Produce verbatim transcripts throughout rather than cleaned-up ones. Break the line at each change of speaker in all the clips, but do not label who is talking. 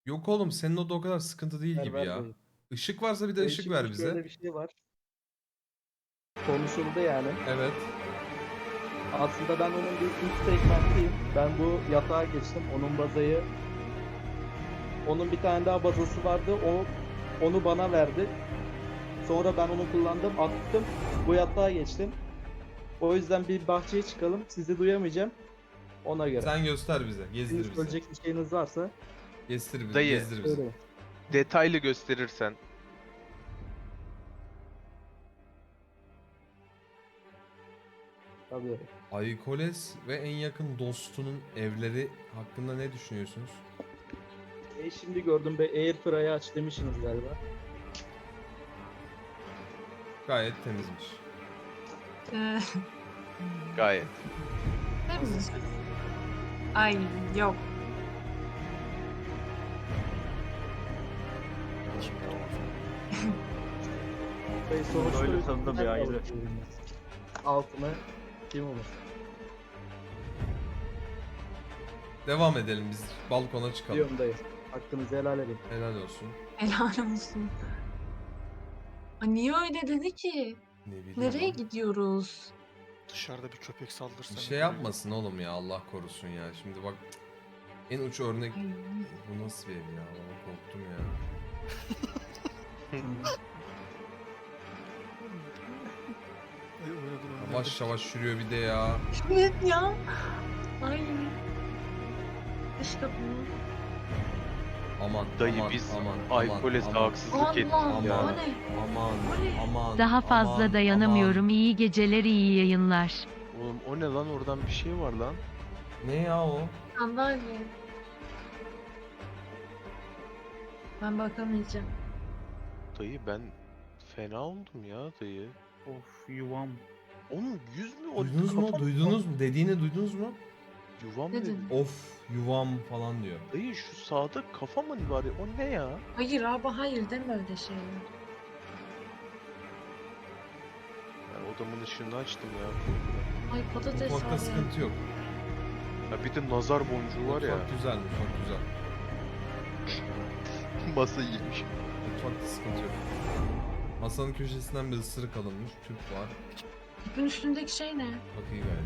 Yok oğlum senin o da o kadar sıkıntı değil
Ver
gibi
ver
ya.
dayı.
Işık varsa bir de
Dayı
ışık
şimdi
ver bize.
şöyle bir şey var. Konuşuldu yani.
Evet.
Aslında ben onun bir ilk segmentiyim. Ben bu yatağa geçtim. Onun bazayı onun bir tane daha bazası vardı. O onu bana verdi. Sonra ben onu kullandım, attım. Bu yatağa geçtim. O yüzden bir bahçeye çıkalım. Sizi duyamayacağım. Ona göre.
Sen göster bize.
Sizin
Gezdir bizi.
söyleyecek bir şeyiniz varsa
Gezdir bizi.
Dayı,
Gezdir bizi.
söyleyin.
detaylı gösterirsen.
Tabii.
Aykoles ve en yakın dostunun evleri hakkında ne düşünüyorsunuz?
E şimdi gördüm be, Airfryer'ı aç demişsiniz galiba.
Gayet temizmiş.
Ee,
Gayet.
temiz. Ay yok.
Ve sonuçta
Öyle tadında bir
üstünden
ayrı.
balık yiyoruz. Altına kim olur?
Devam edelim biz. Balkona çıkalım.
Diyorum dayı. Hakkınızı helal edin.
Helal olsun.
Helal olsun. Ay niye öyle dedi ki?
Ne bileyim
Nereye
lan.
gidiyoruz?
Dışarıda bir köpek saldırsa.
Bir şey yapmasın oğlum ya Allah korusun ya. Şimdi bak en uç örnek
Ay,
bu nasıl bir ev ya? Valla korktum ya. Yavaş yavaş yürüyor bir de ya.
evet ya. Ay. Dış kapını.
Aman
Dayı
aman
biz
aman
Aykoles'e
aman,
haksızlık ettik
Allah,
ya.
o ne?
aman
O ne?
aman
Daha fazla
aman,
dayanamıyorum.
aman.
İyi geceler, iyi yayınlar.
Oğlum o ne lan, oradan bir şey var lan.
Ne ya o?
Sandalye. Ben bakamayacağım.
Dayı ben fena oldum ya dayı.
Of yuvam.
Onun yüz mü o?
Duydunuz mu?
Kafa-
Duydunuz mu? Dediğini duydunuz mu?
Yuvam
Ne
dedi.
dedin?
Of yuvam falan diyor.
Dayı şu sağda kafa mı var ya? O ne ya?
Hayır abi hayır deme öyle şeyler.
Ben odamın ışığını açtım ya.
Ay patates var
Mutfakta
ya.
sıkıntı yok.
Ya bir de nazar boncuğu var ya.
Mutfak güzel, mutfak güzel.
Masa yemiş.
Mutfakta sıkıntı yok. Masanın köşesinden bir ısırık alınmış, tüp var.
Tüpün üstündeki şey ne?
Bak iyi gayet.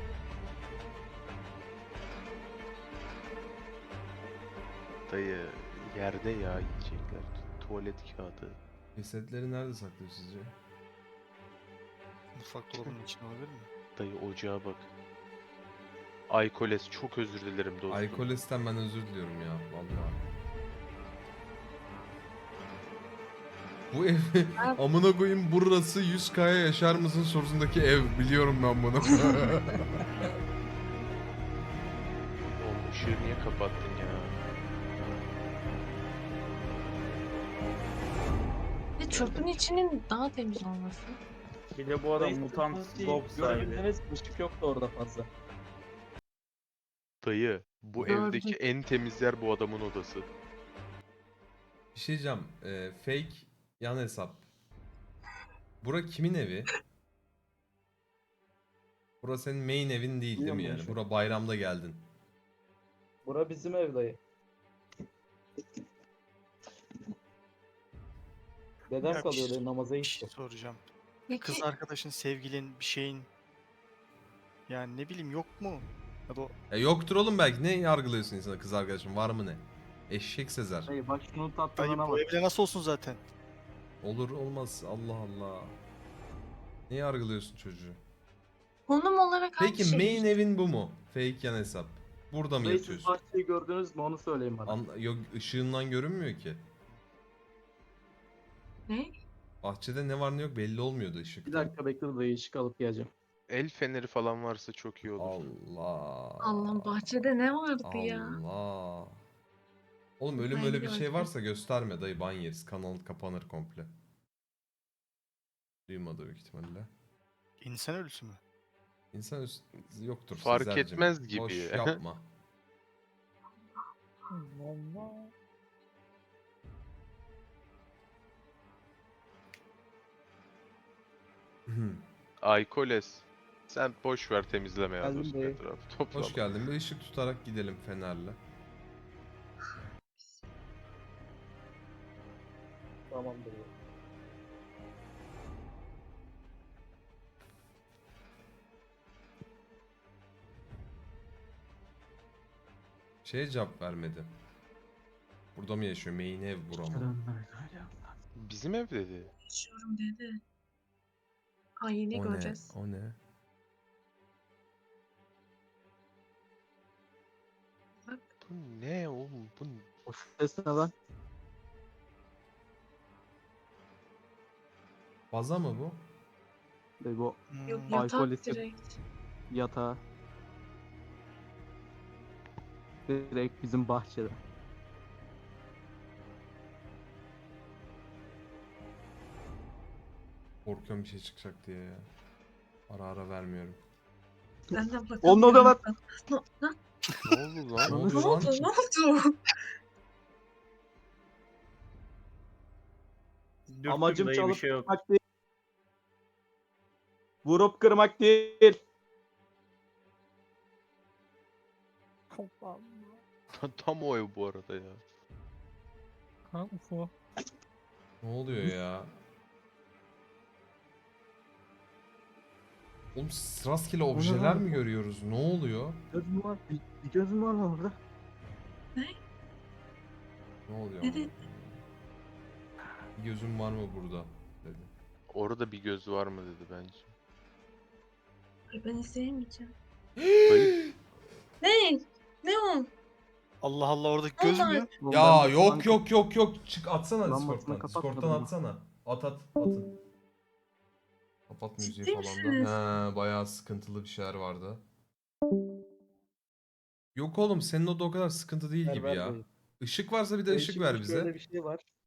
Dayı yerde ya yiyecekler. Tuvalet kağıdı.
Cesetleri nerede saklıyor sizce?
Mutfak dolabının içinde olabilir mi?
Dayı ocağa bak. Aykoles çok özür dilerim dostum.
Aykoles'ten ben özür diliyorum ya, vallahi. Bu ev, amına koyayım burası yüz kaya yaşar mısın sorusundaki ev, biliyorum ben bunu.
Oğlum ışığı niye kapattın ya?
Ve çöpün içinin daha temiz olması.
Bir de bu adam
Dayı,
mutant
sıkıntı değil.
Bob sahibi.
Görebildiniz, ışık yoktu orada fazla.
Dayı bu
Gördüm.
evdeki en temiz yer bu adamın odası.
Bir şey diyeceğim, e, fake yan hesap. Bura kimin evi? Bura senin main evin değil değil mi
Bilmiyorum ben
yani?
şu an.
Bura bayramda geldin.
Bura bizim ev dayı. Dedem
Ya bir
kalıyor
şey-
dayı, namaza
Bir
gitti.
şey soracağım.
Peki
Kız arkadaşın, sevgilin, bir şeyin. Yani ne bileyim yok mu? Ya da o
Ya yoktur oğlum belki. Ne yargılıyorsun insana, kız arkadaşım var mı ne? Eşek Sezer.
Dayı bak şunun
dayı
tatlılığına
bu
bak.
evde nasıl olsun zaten?
Olur olmaz, Allah Allah. Ne yargılıyorsun çocuğu?
konum olarak hangi
Peki
şey?
main evin bu mu? Fake yan hesap. Burada mı
Dayı siz
yatıyorsun?
bahçeyi gördünüz mü onu söyleyin bana.
An yok, ışığından görünmüyor ki.
Ne?
Bahçede ne var ne yok belli olmuyordu
Bir
ışıktan.
dakika bekle dayı, ışık alıp geleceğim.
El feneri falan varsa çok iyi olur.
Allah.
Allah bahçede ne vardı ya?
Allah. Oğlum ölüm
Ben
öyle bir
de
şey
bakayım.
varsa gösterme dayı, ban yeriz. Kanal kapanır komple. Duymadı büyük ihtimalle.
İnsan ölüsü mü?
İnsan üst- yoktur
Fark
Sezer'cim.
etmez gibi.
Boş yapma.
Aykoles. Sen boş ver temizleme ya
Geldim
dostum
dayı.
etrafı. Toplama.
Hoş geldin. Bir ışık tutarak gidelim fenerle.
Tamamdır. ya.
Şeye cevap vermedi. Burada mı yaşıyor? Main ev bura mı?
Bizim ev dedi.
Yaşıyorum dedi. Ay yine
O ne?
göreceğiz.
O ne?
Bak.
Bu ne oğlum? Bu n-
O ses ne lan?
Baza mı bu?
E, bu
Yok
Hmm,
yatak
alkol içip-
direkt.
yatağı. Direkt bizim bahçede.
Korkuyorum bir şey çıkacak diye ya. Ara ara vermiyorum.
Ben de bakalım.
Onda da var.
Ne, ne,
Ne oldu
Ne
lan?
ne
oluyor lan?
oldu? Ne oldu?
Dürttüm
Amacım
dayı, bir
çalıp
şey yok.
kırmak değil. Vurup kırmak değil.
Tam o ev bu arada ya.
Ne oluyor ya? Oğlum rastgele objeler mi görüyoruz? Ne oluyor?
Gözüm var. Bir, bir gözüm var lan orada.
Ne oluyor?
Ne
amına
dedi?
koyayım? Bir gözüm var mı burada? Dedi.
Orada bir göz var mı dedi bence.
Ay ben izleyemeyeceğim.
Dayı
Ne? Ne o?
Allah Allah orada
Ne
göz
oldu?
mü?
Oğlum
Ya
ben
yok
banka-
yok yok yok. Çık atsana
Lambasını
Discord'dan.
kapatmadım
Discord'dan
mı?
atsana. At at atın. Kapat müziği
Ciddi
falan da.
misiniz?
He, bayağı sıkıntılı bir şeyler vardı. Yok oğlum senin o da o kadar sıkıntı değil
Ver,
gibi
ver
ya.
dayı.
Işık varsa bir de
Dayı
ışık
şimdi
ver
şöyle
bize.
bir şey var.